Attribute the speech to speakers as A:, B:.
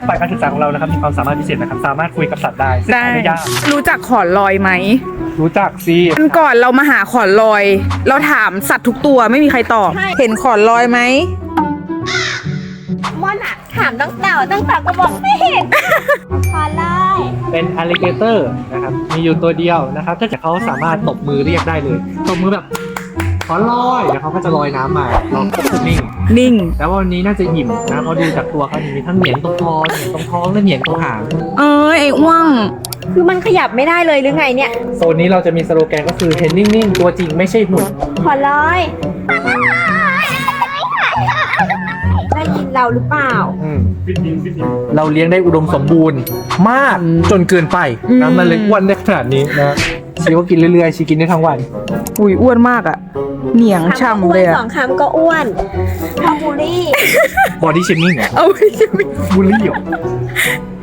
A: ฝ่ายการศึกษาของเรานะครับมีความสามารถพิเศษนะครับสามารถคุยกับสัตว์ได้ซึ่งหาได้ยาก
B: รู้จักขอนลอยไหม
A: รู้จักสิ
B: วันก่อนเรามาหาขอนลอย เราถามสัตว์ทุกตัวไม่มีใครตอบ เห็นขอนลอยไหม
C: ม่อนอะถามตั้งแต่ก็บอกไม่เห็นขอเลย
A: เป็นอ l ลิเกเตอร์นะครับมีอยู่ตัวเดียวนะครับถ้าเกิดเขาสามารถตบมือเรียกได้เลยตบมือแบบขอลอยแล้วเขาก็จะลอยน้ำมาเราก็จะนิ่ง
B: นิ่ง
A: แล้ววันนี้น่าจะอิ่มนะเพราะดูจากตัวเขามีทั้งเหนียงตรงคอเหนียงตรงท้องและเหนียงตรงหาง
B: ไอ้อ้วง
C: คือมันขยับไม่ได้เลยหรือไงเนี่ย
A: โซนนี้เราจะมีสโลแกนก็คือเห็นนิ่งๆตัวจริงไม่ใช่หุ่น
C: ขอเลยได้ยินเราหรือเปล่า
A: เราเลี้ยงได้อุดมสมบูรณ์มากจนเกินไปนะมันเลยอ้วนได้ขนาดนี้นะชีก็กินเรื่อยๆชีกินได้ทั้งวัน
B: อุ้ยอ้วนมากอะเหนียง
C: คำก็
B: ช่ำ
C: อ้ว
B: เล
C: น
B: ยอะ
C: 2 คำก็อ้วนพอบูลลี่
A: บอดี้เชมิ่งเหรอ
B: เอาไม่ใช่
A: บูลลี่เหรอ